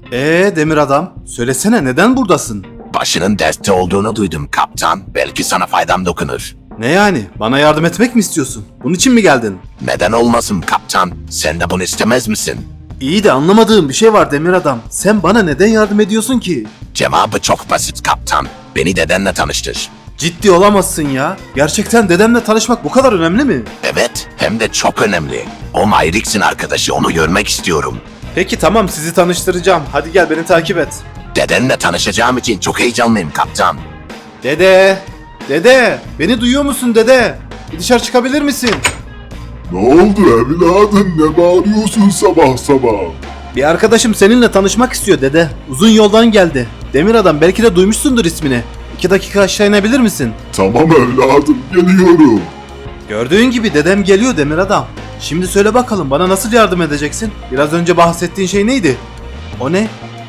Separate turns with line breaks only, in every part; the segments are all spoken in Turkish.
Demir adam, söylesene neden buradasın?
Başının dertte olduğunu duydum kaptan. Belki sana faydam dokunur.
Ne yani? Bana yardım etmek mi istiyorsun? Bunun için mi geldin?
Neden olmasın kaptan? Sen de bunu istemez misin?
İyi de anlamadığım bir şey var Demir adam. Sen bana neden yardım ediyorsun ki?
Cevabı çok basit kaptan. Beni dedenle tanıştır.
Ciddi olamazsın ya. Gerçekten dedemle tanışmak bu kadar önemli mi?
Evet, hem de çok önemli. O Myrix'in arkadaşı, onu görmek istiyorum.
Peki tamam, sizi tanıştıracağım. Hadi gel, beni takip et.
Dedenle tanışacağım için çok heyecanlıyım kaptan.
Dede! Dede! Beni duyuyor musun dede? Bir dışarı çıkabilir misin?
Ne oldu evladım, ne bağırıyorsun sabah sabah?
Bir arkadaşım seninle tanışmak istiyor dede. Uzun yoldan geldi. Demir adam, belki de duymuşsundur ismini. 2 dakika aşağı inebilir misin?
Tamam evladım, geliyorum.
Gördüğün gibi dedem geliyor Demir adam. Şimdi söyle bakalım, bana nasıl yardım edeceksin? Biraz önce bahsettiğin şey neydi? O ne?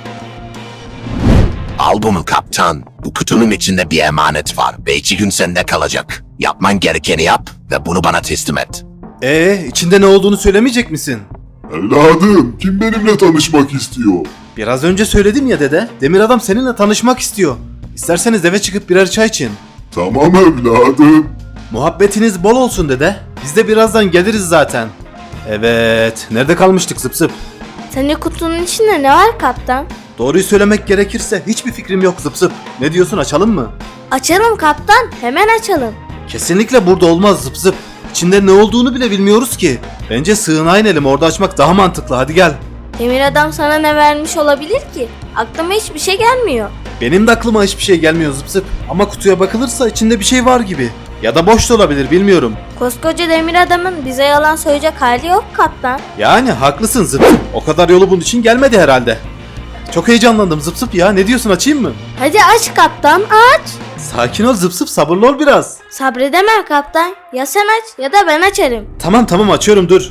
Al bunu kaptan. Bu kutunun içinde bir emanet var ve 2 gün sende kalacak. Yapman gerekeni yap ve bunu bana teslim et.
İçinde ne olduğunu söylemeyecek misin?
Evladım, kim benimle tanışmak istiyor?
Biraz önce söyledim ya dede. Demir adam seninle tanışmak istiyor. İsterseniz eve çıkıp birer çay için.
Tamam evladım.
Muhabbetiniz bol olsun dede. Biz de birazdan geliriz zaten. Evet, nerede kalmıştık zıp zıp?
Senin kutunun içinde ne var kaptan?
Doğruyu söylemek gerekirse hiçbir fikrim yok zıp zıp. Ne diyorsun, açalım mı?
Açalım kaptan, hemen açalım.
Kesinlikle burada olmaz zıp zıp. İçinde ne olduğunu bile bilmiyoruz ki. Bence sığınağa inelim, orada açmak daha mantıklı, hadi gel.
Demir adam sana ne vermiş olabilir ki? Aklıma hiçbir şey gelmiyor.
Benim de aklıma hiçbir şey gelmiyor zıp zıp. Ama kutuya bakılırsa içinde bir şey var gibi. Ya da boş da olabilir, bilmiyorum.
Koskoca demir adamın bize yalan söyleyecek hali yok kaptan.
Yani haklısın zıp zıp. O kadar yolu bunun için gelmedi herhalde. Çok heyecanlandım zıp zıp ya. Ne diyorsun, açayım mı?
Hadi aç kaptan, aç.
Sakin ol zıp zıp, sabırlı ol biraz.
Sabredemem kaptan. Ya sen aç ya da ben açarım.
Tamam açıyorum, dur.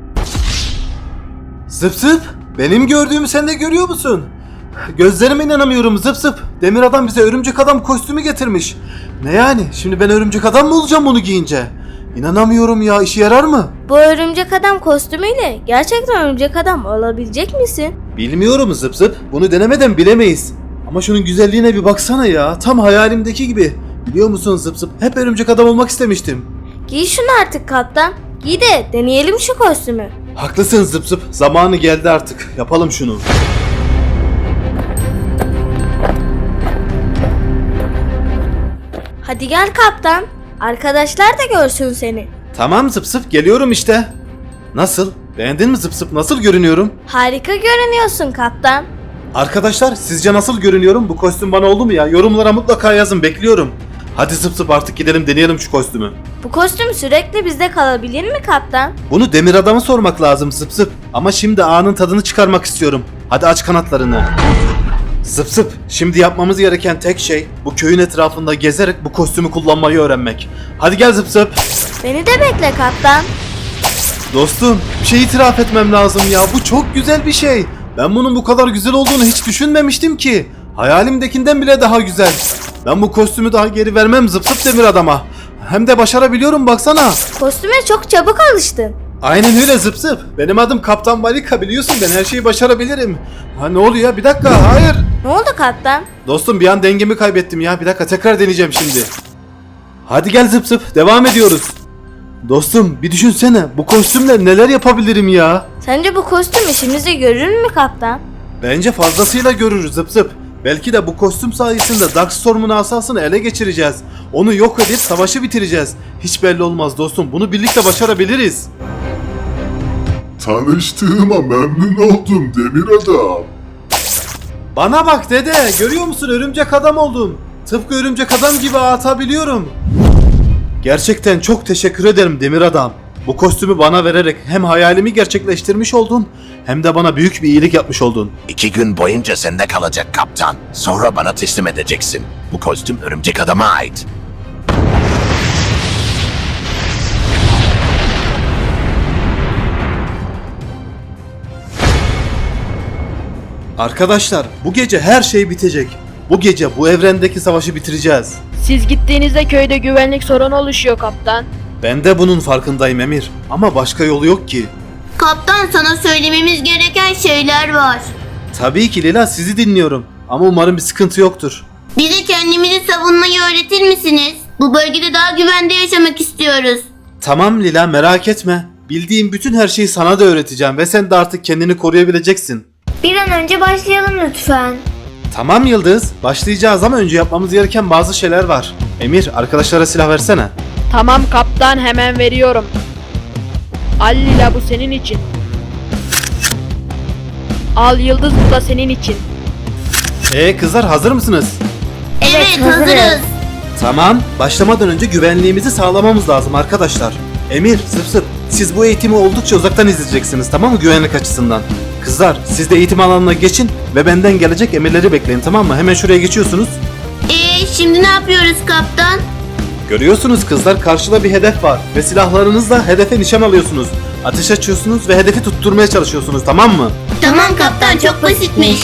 Zıp zıp, benim gördüğümü sen de görüyor musun? Gözlerime inanamıyorum zıp zıp. Demir adam bize örümcek adam kostümü getirmiş. Ne yani? Şimdi ben örümcek adam mı olacağım bunu giyince? İnanamıyorum ya, işe yarar mı?
Bu örümcek adam kostümüyle gerçekten örümcek adam olabilecek misin?
Bilmiyorum zıp zıp. Bunu denemeden bilemeyiz. Ama şunun güzelliğine bir baksana ya. Tam hayalimdeki gibi. Biliyor musun zıp zıp? Hep örümcek adam olmak istemiştim.
Giy şunu artık kaptan. Giy de deneyelim şu kostümü.
Haklısın zıp zıp. Zamanı geldi artık. Yapalım şunu.
Hadi gel kaptan. Arkadaşlar da görsün seni.
Tamam zıp zıp, geliyorum işte. Nasıl? Beğendin mi zıp zıp? Nasıl görünüyorum?
Harika görünüyorsun kaptan.
Arkadaşlar, sizce nasıl görünüyorum? Bu kostüm bana oldu mu ya? Yorumlara mutlaka yazın, bekliyorum. Hadi zıp zıp, artık gidelim deneyelim şu kostümü.
Bu kostüm sürekli bizde kalabilir mi kaptan?
Bunu demir adama sormak lazım zıp zıp. Ama şimdi anın tadını çıkarmak istiyorum. Hadi aç kanatlarını. Zıp zıp, şimdi yapmamız gereken tek şey bu köyün etrafında gezerek bu kostümü kullanmayı öğrenmek. Hadi gel zıp zıp.
Beni de bekle kaptan.
Dostum, bir şey itiraf etmem lazım ya. Bu çok güzel bir şey. Ben bunun bu kadar güzel olduğunu hiç düşünmemiştim ki. Hayalimdekinden bile daha güzel. Ben bu kostümü daha geri vermem zıp zıp demir adama. Hem de başarabiliyorum, baksana.
Kostüme çok çabuk alıştın.
Aynen öyle zıp zıp. Benim adım Kaptan Balika, biliyorsun, ben her şeyi başarabilirim. Ha, ne oluyor? Bir dakika, hayır.
Ne oldu kaptan?
Dostum, bir an dengemi kaybettim ya. Bir dakika, tekrar deneyeceğim şimdi. Hadi gel zıp zıp, devam ediyoruz. Dostum, bir düşünsene, bu kostümle neler yapabilirim ya?
Sence bu kostüm işimizi görür mü kaptan?
Bence fazlasıyla görürüz zıp zıp. Belki de bu kostüm sayesinde Darkstorm'un asasını ele geçireceğiz. Onu yok edip savaşı bitireceğiz. Hiç belli olmaz dostum, bunu birlikte başarabiliriz.
Tanıştığıma memnun oldum demir adam.
Bana bak dede, görüyor musun, örümcek adam oldum. Tıpkı örümcek adam gibi atabiliyorum. Gerçekten çok teşekkür ederim demir adam. Bu kostümü bana vererek hem hayalimi gerçekleştirmiş oldun, hem de bana büyük bir iyilik yapmış oldun.
2 gün boyunca sende kalacak kaptan. Sonra bana teslim edeceksin. Bu kostüm örümcek adama ait.
Arkadaşlar, bu gece her şey bitecek. Bu gece bu evrendeki savaşı bitireceğiz.
Siz gittiğinizde köyde güvenlik sorunu oluşuyor kaptan.
Ben de bunun farkındayım Emir. Ama başka yolu yok ki.
Kaptan, sana söylememiz gereken şeyler var.
Tabii ki Lila, sizi dinliyorum. Ama umarım bir sıkıntı yoktur.
Bize kendimizi savunmayı öğretir misiniz? Bu bölgede daha güvende yaşamak istiyoruz.
Tamam Lila, merak etme. Bildiğim bütün her şeyi sana da öğreteceğim ve sen de artık kendini koruyabileceksin.
Bir an önce başlayalım lütfen.
Tamam Yıldız, başlayacağız ama önce yapmamız gereken bazı şeyler var. Emir, arkadaşlara silah versene.
Tamam kaptan, hemen veriyorum. Al Lila, bu senin için. Al Yıldız, bu da senin için.
Kızlar, hazır mısınız?
Evet, hazırız.
Tamam, başlamadan önce güvenliğimizi sağlamamız lazım arkadaşlar. Emir, Zıp Zıp, siz bu eğitimi oldukça uzaktan izleyeceksiniz, tamam mı, güvenlik açısından? Kızlar, siz de eğitim alanına geçin ve benden gelecek emirleri bekleyin, tamam mı? Hemen şuraya geçiyorsunuz.
Şimdi ne yapıyoruz kaptan?
Görüyorsunuz kızlar, karşıda bir hedef var ve silahlarınızla hedefe nişan alıyorsunuz. Ateş açıyorsunuz ve hedefi tutturmaya çalışıyorsunuz, tamam mı?
Tamam kaptan, çok basitmiş.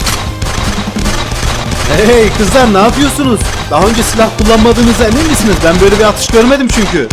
Hey kızlar, ne yapıyorsunuz? Daha önce silah kullanmadığınıza emin misiniz? Ben böyle bir atış görmedim çünkü.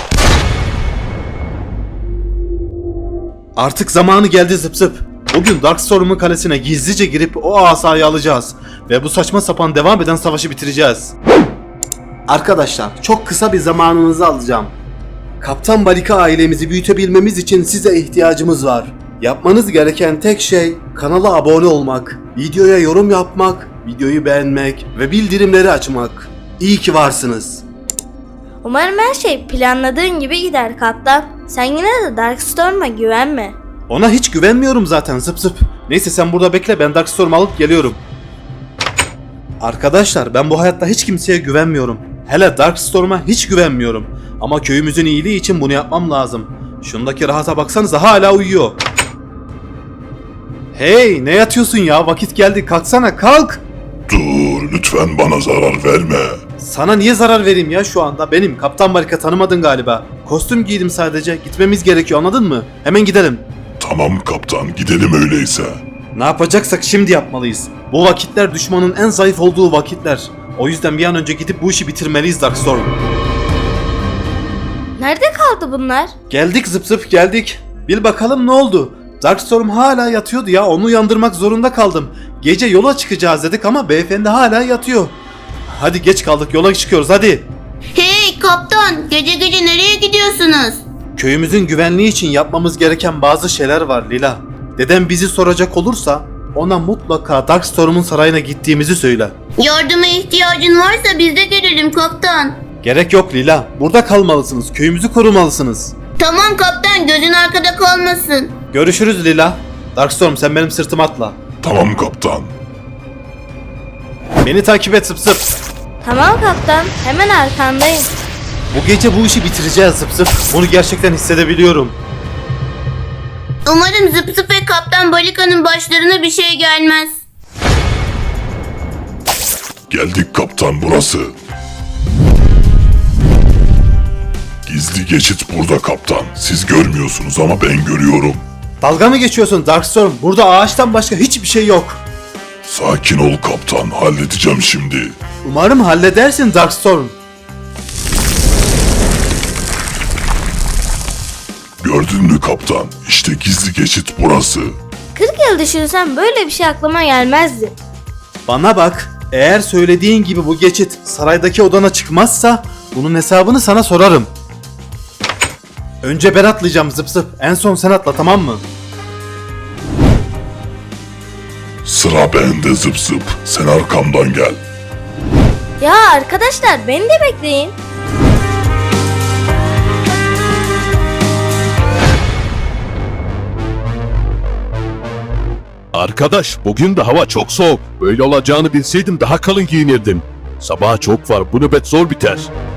Artık zamanı geldi Zıp Zıp. Bugün Darkstorm'un kalesine gizlice girip o asayı alacağız. Ve bu saçma sapan devam eden savaşı bitireceğiz. Arkadaşlar, çok kısa bir zamanınızı alacağım. Kaptan Balika ailemizi büyütebilmemiz için size ihtiyacımız var. Yapmanız gereken tek şey kanala abone olmak, videoya yorum yapmak, videoyu beğenmek ve bildirimleri açmak. İyi ki varsınız.
Umarım her şey planladığın gibi gider kaptan. Sen yine de Darkstorm'a güvenme.
Ona hiç güvenmiyorum zaten Zıp Zıp. Neyse sen burada bekle, ben Darkstorm'u alıp geliyorum. Arkadaşlar, ben bu hayatta hiç kimseye güvenmiyorum. Hele Darkstorm'a hiç güvenmiyorum. Ama köyümüzün iyiliği için bunu yapmam lazım. Şundaki rahata baksanıza, hala uyuyor. Hey, ne yatıyorsun ya? Vakit geldi, kalksana, kalk.
Dur, lütfen bana zarar verme.
Sana niye zarar vereyim ya şu anda? Benim Kaptan Balika, tanımadın galiba. Kostüm giydim sadece. Gitmemiz gerekiyor, anladın mı? Hemen gidelim.
Tamam kaptan, gidelim öyleyse.
Ne yapacaksak şimdi yapmalıyız. Bu vakitler düşmanın en zayıf olduğu vakitler. O yüzden bir an önce gidip bu işi bitirmeliyiz Darkstorm.
Nerede kaldı bunlar?
Geldik Zıp Zıp, geldik. Bil bakalım ne oldu? Darkstorm hala yatıyordu ya, onu uyandırmak zorunda kaldım. Gece yola çıkacağız dedik ama beyefendi hala yatıyor. Hadi geç kaldık, yola çıkıyoruz hadi.
Hey kaptan, gece gece nereye gidiyorsunuz?
Köyümüzün güvenliği için yapmamız gereken bazı şeyler var Lila. Dedem bizi soracak olursa ona mutlaka Darkstorm'un sarayına gittiğimizi söyle.
Yardıma ihtiyacın varsa biz de gelelim kaptan.
Gerek yok Lila, burada kalmalısınız, köyümüzü korumalısınız.
Tamam kaptan, gözün arkada kalmasın.
Görüşürüz Lila. Darkstorm, sen benim sırtıma atla.
Tamam kaptan.
Beni takip et Zıp Zıp.
Tamam kaptan, hemen arkandayım.
Bu gece bu işi bitireceğiz Zıp Zıp. Bunu gerçekten hissedebiliyorum.
Umarım Zıp Zıp ve Kaptan Balika'nın başlarına bir şey gelmez.
Geldik kaptan, burası. Gizli geçit burada kaptan. Siz görmüyorsunuz ama ben görüyorum.
Dalga mı geçiyorsun Darkstorm? Burada ağaçtan başka hiçbir şey yok.
Sakin ol kaptan, halledeceğim şimdi.
Umarım halledersin Darkstorm.
Gördün mü kaptan? İşte gizli geçit burası.
40 yıl düşünsem böyle bir şey aklıma gelmezdi.
Bana bak, eğer söylediğin gibi bu geçit saraydaki odana çıkmazsa bunun hesabını sana sorarım. Önce ben atlayacağım Zıp Zıp, en son sen atla, tamam mı?
Sıra bende Zıp Zıp. Sen arkamdan gel.
Ya arkadaşlar, beni de bekleyin.
Arkadaş, bugün de hava çok soğuk. Böyle olacağını bilseydim daha kalın giyinirdim. Sabaha çok var, bu nöbet zor biter.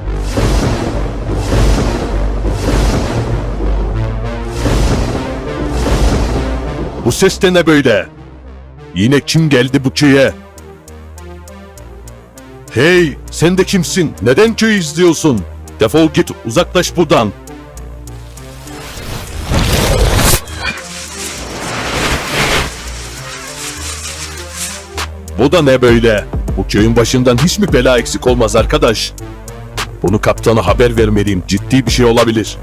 Bu ses de ne böyle? Yine kim geldi bu köye? Hey, sen de kimsin? Neden köyü izliyorsun? Defol git, uzaklaş buradan. Bu da ne böyle? Bu köyün başından hiç mi bela eksik olmaz arkadaş? Bunu kaptana haber vermeliyim. Ciddi bir şey olabilir.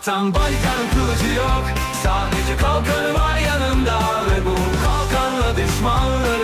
Kaptan Balkan'ın kılıcı yok. Sadece kalkanı var yanımda ve bu kalkanla düşmanları